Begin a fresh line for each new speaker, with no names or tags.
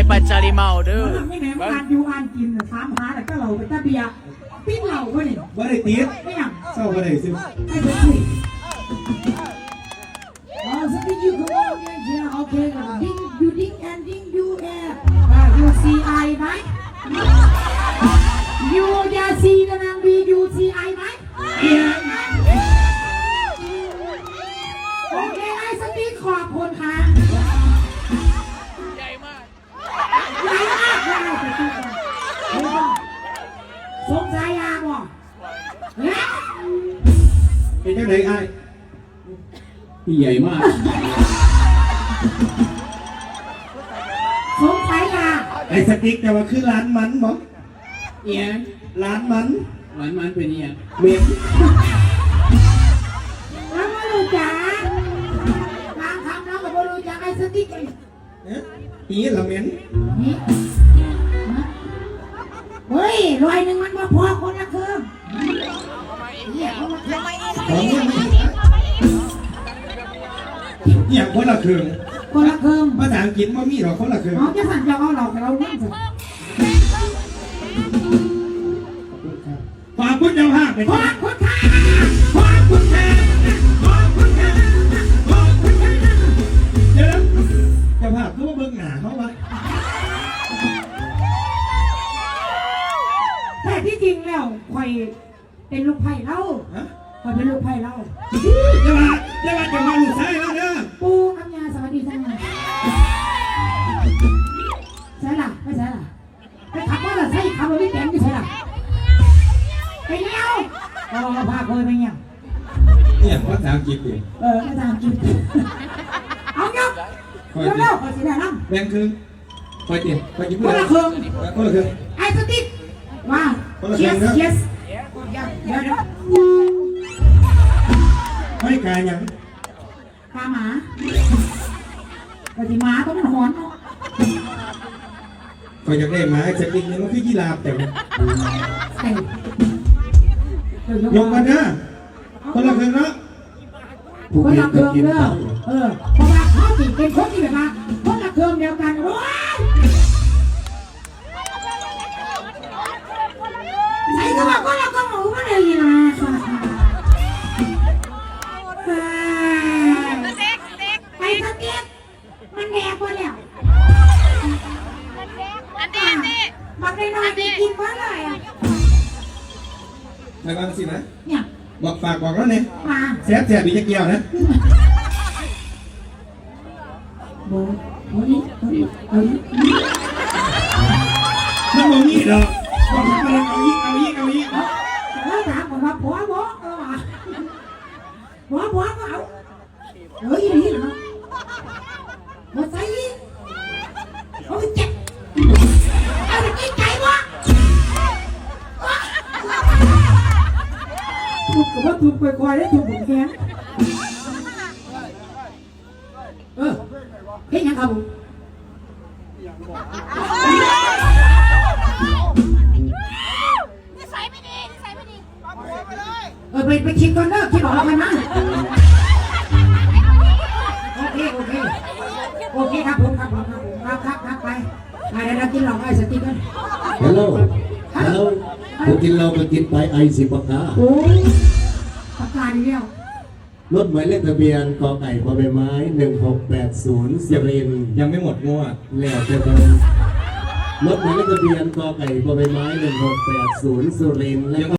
ปัจจาริเมาเด้อ
ไม่แม่อ่านอยู่อ่านกินถามหาแต่ก็เราไปตะเบียปิ้งเหล่าก็นี่
บ่ได้ตีด
ไม่ยัง
เศร้าบ่ได้สิ
ให้ไปคุยอ๋อสติ๊กยูคือว่าเนี่ยโอเคกันดิ้งยูดิ้งแอนดิ้งยูแอร์ยูซีไอไหมยูยาซีนะนางบียูซีไอไหมโอเคไอ้สติ๊กขอบคุณค่ะใหญ่มากใหญ่มากสงสัยยาบ่เนี่ย
เป็นจังได๋อ้าย
ที่ใหญ่มาก
สงสัยยา
ไอ้สติ๊กแต่ว่าคือร้านมันบ่
เอียง
ร้านมัน
มันเป็นเอียง
เหม็น
แล้วไม่รู้จักบางคำแล้วก็ไม่รู้จักไอ้สติ๊กเลย
อีละเหม็น
นี่เฮ้ยรวยหนึ่งมันมาพอคนละครึ่งเนี่ยเขามาทำไม
ของอย่างคนละครึ่ง
คนละครึ่ง
ภาษาอังกฤษบ่มีหรอกคนละครึ่ง
เขาจะสั่งจะเอาเราแต่เราเล่นสิ
ฝากคุณเจ้าภาพไป
ขอ
ที่
บคุณค่ะ
ขอบคุณค่ะขอบคุณค่ะขอบคุณค่ะเดี๋ยวนะเจ้าภาพคือว่าเบิ่งหน้าเขาวะ
แต่ที่จริงแล้วคอยเป็นลูกไผ่เล่า
ฮะ
คอยเป็นลูกไผ่เล่า
เจ้าว่าจะมาลูกชายแล้วเด้อ
ปูอัญญาสวัสดีท่านใช่ล่ะไม่ใช่ล่ะไปขับว่าล่ะใช่ขับรถไม่แข็งไม่ใช่ล่ะไปเลี้ยวอ๋อพาเคยไปเนี่ย
เนี่ยภาษาอังกฤษดิ
อาจารย์กินเอาเนาะเร็วๆขอสิได้น้ำ
แบ่งครึ่งไปเดี๋ยวไปกิน
ค
เพื่อน น
ละครึ่ง
คนละครึ่ง
ไอ้สติ๊กว้าว
คนละครึ่
yes
งนะ
yes เดี๋ยว
ไม่กายยัง
ตาหมาปฏิมาต้องมันหอนเนาะ
คอยอยากได้หมาไอ้สติ๊กนี่มันคือยีราฟแต่
ใส่
ยกกันนะคนละครึ่งเนาะ
คนละเครื่องเด้อเพราะว่าเขาติเป็นคนที่แบบว่าคนละเครื่องเดียวกันโอ้ยใส่ก็ว่าคนละเครื่องหมูมาเลยนะไอ้สติ๊กมันแดกไปแล้วมันได้น้อยได้กินมาเลยอ่ะ
ทางนั้นสินะ
เนี่ย
บอกฝากบอกแล้วเนี่ย
มา
แซ่บอีกจะเกี่ยวนะ
โบ้โบ้นี่
มันบ่มีดอกบอกมาเลยเอาอีก
แล้วถามผมว่าผัวโบ้ผัวก็เอาเฮ้ยนี่เหรอมาใส่เอาไปเจ็บเอาไปกินไก่วะถูกกับว่าถูกไปควายได้ถูกผมแค้นเฮ้ยยังครับผม
นิสัยไม่ดี
ไปคิดก่อนเด้อคิดออกแล้วกันนะโอเคครับผมครับไปเดี๋ยวเรากินเหล้าไอ้สติ๊กกัน
ฮัลโหลผมกินเราก็กินไปไอสิปากกา
โอ้ยประกาศเดียว
รถหมายเลขทะเบียนกอไก่พอใบไม้1680สุรินทร์
ยังไม่หมดงัว
แล้วจะเป็นรถหมายเลขทะเบียนกอไก่พอใบไม้1680สุรินทร์แล้ว